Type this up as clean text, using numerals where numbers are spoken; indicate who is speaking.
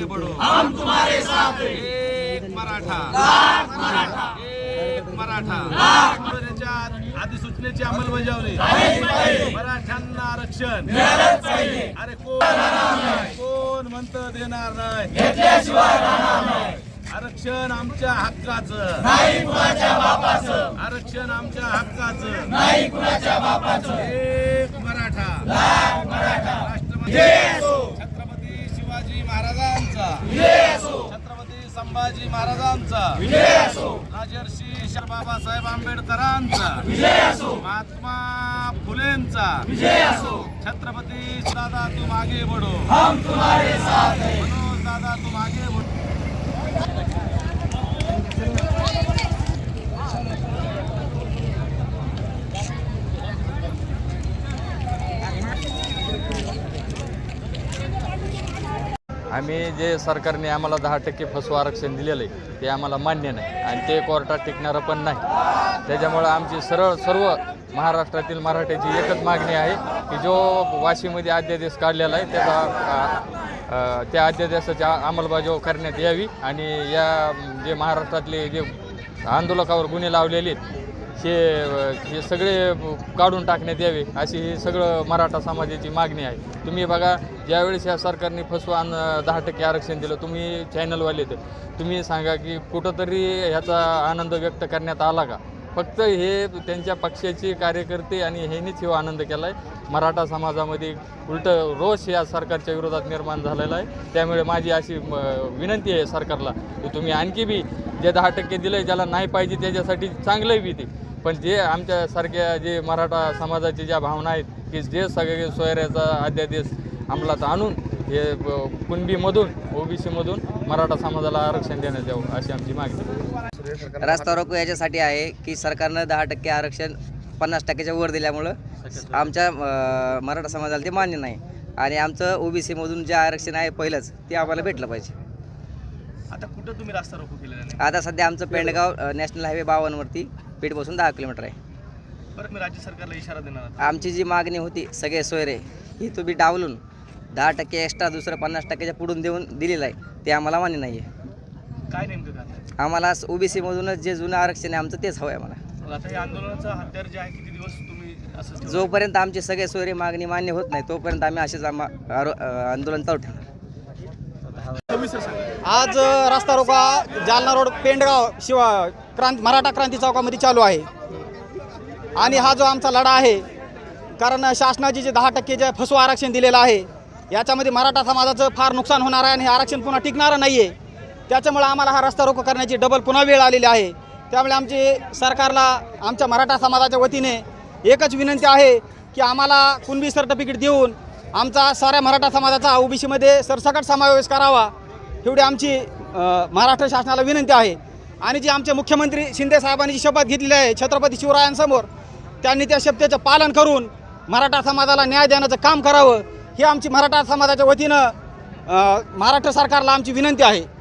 Speaker 1: आगे बढ़ो,
Speaker 2: हम तुम्हारे साथ हैं।
Speaker 1: एक मराठा,
Speaker 2: लाख मराठा,
Speaker 1: एक मराठा. त्याच्या अधिसूचनेची अंमलबजावणी, मराठ्यांना आरक्षण
Speaker 2: मिळालंच पाहिजे.
Speaker 1: अरे कोण म्हणतं देणार नाही,
Speaker 2: घेतल्याशिवाय राहणार नाही.
Speaker 1: आरक्षण आमच्या हक्काचं,
Speaker 2: नाही कुणाच्या बापाचं,
Speaker 1: आरक्षण आमच्या हक्काचं.
Speaker 2: नाही कुणाच्या बापाचं.
Speaker 1: एक मराठा,
Speaker 2: लाख मराठा,
Speaker 1: राष्ट्रपती
Speaker 2: विजय असो.
Speaker 1: छत्रपती शिवाजी महाराजांचा,
Speaker 2: विजय असो.
Speaker 1: छत्रपती संभाजी महाराजांचा,
Speaker 2: विजय असो.
Speaker 1: राजर्षी बाबासाहेब आंबेडकरांचा,
Speaker 2: विजय असो.
Speaker 1: महात्मा फुलेंचा,
Speaker 2: विजय असो.
Speaker 1: छत्रपती दादा तुम आगे बढ़ो,
Speaker 2: हम तुम्हारे साथ हैं.
Speaker 1: मनोज दादा तुम आगे बढ़ो.
Speaker 3: आम्ही जे सरकारने आम्हाला 10% फसवं आरक्षण दिलेलं आहे ते आम्हाला मान्य नाही आणि ते कोर्टात टिकणारं पण नाही. त्याच्यामुळं आमची सर्व महाराष्ट्रातील मराठ्याची एकच मागणी आहे की जो वाशीमध्ये अध्यादेश काढलेला आहे त्याचा त्या अध्यादेशाची अंमलबजावणी करण्यात यावी आणि या जे महाराष्ट्रातले जे आंदोलकावर गुन्हे लावलेले आहेत हे सगळे काढून टाकण्यात यावे अशी ही सगळं मराठा समाजाची मागणी आहे. तुम्ही बघा, ज्यावेळेस या सरकारने फसवून 10% आरक्षण दिलं, तुम्ही चॅनलवाले तर तुम्ही सांगा की कुठंतरी ह्याचा आनंद व्यक्त करण्यात आला का? फक्त हे त्यांच्या पक्षाचे कार्यकर्ते आणि ह्यांनीच हा आनंद केला आहे. मराठा समाजामध्ये उलटं रोष या सरकारच्या विरोधात निर्माण झालेला आहे. त्यामुळे माझी अशी विनंती आहे सरकारला की तुम्ही आणखी बी जे 10% दिलं आहे ज्याला नाही पाहिजे त्याच्यासाठी चांगलंही बी ते, पण जे आमच्यासारख्या जे मराठा समाजाची ज्या भावना आहेत की जे सगळे सोयऱ्याचा अध्यादेश अंमलात आणून हे कुणबीमधून ओबीसीमधून मराठा समाजाला आरक्षण देण्यात यावं अशी आमची मागणी.
Speaker 4: रास्ता रोको याच्यासाठी आहे की सरकारनं 10% आरक्षण 50%च्या वर दिल्यामुळं आमच्या मराठा समाजाला ते मान्य नाही आणि आमचं ओबीसीमधून जे आरक्षण आहे पहिलंच ते आम्हाला भेटलं पाहिजे.
Speaker 1: आता कुठं तुम्ही रास्ता रोको केलेला नाही?
Speaker 4: आता सध्या आमचं पेंडगाव नॅशनल हायवे 52वरती पेठपासून 10 किलोमीटर आहे.
Speaker 1: बरं, मी राज्य सरकारला इशारा देणार आहे.
Speaker 4: आमची जी मागणी होती सगळे सोयरे ही तुम्ही डावलून 10% एक्स्ट्रा दुसरं 50%च्या पुढून दिलेलं आहे ते आम्हाला मान्य नाही आहे.
Speaker 1: काय नेमकं काय?
Speaker 4: आम्हाला ओबीसीमधूनच जे जुनं आरक्षण आहे आमचं तेच हवं आहे आम्हाला.
Speaker 1: मग आता हे आंदोलनाचा हत्यार जे आहे किती दिवस तुम्ही असं ठेवणार?
Speaker 4: जोपर्यंत आमचे सगळे सोयरे मागणी मान्य होत नाही तोपर्यंत आम्ही असेच आंदोलन चालू ठेवणार.
Speaker 5: आज रस्ता रोका जालना रोड पेंडगाव मराठा क्रांती चौकामध्ये चालू आहे आणि हा जो आमचा लढा आहे, कारण शासनाचे जे 10% जे फसवं आरक्षण दिलेलं आहे याच्यामध्ये मराठा समाजाचं फार नुकसान होणार आहे आणि हे आरक्षण पुन्हा टिकणारं नाही आहे. त्याच्यामुळे आम्हाला हा रस्ता रोको करण्याची पुन्हा वेळ आलेली आहे. त्यामुळे आमची सरकारला आमच्या मराठा समाजाच्या वतीने एकच विनंती आहे की आम्हाला कुणबी सर्टिफिकेट देऊन आमचा साऱ्या मराठा समाजाचा ओबीसीमध्ये सरसकट समावेश करावा एवढी आमची महाराष्ट्र शासनाला विनंती आहे. आणि जी आमचे मुख्यमंत्री शिंदे साहेबांनी जी शपथ घेतलेली आहे छत्रपती शिवरायांसमोर, त्यांनी त्या शपथेचं पालन करून मराठा समाजाला न्याय देण्याचं काम करावं ही आमची मराठा समाजाच्या वतीनं महाराष्ट्र सरकारला आमची विनंती आहे.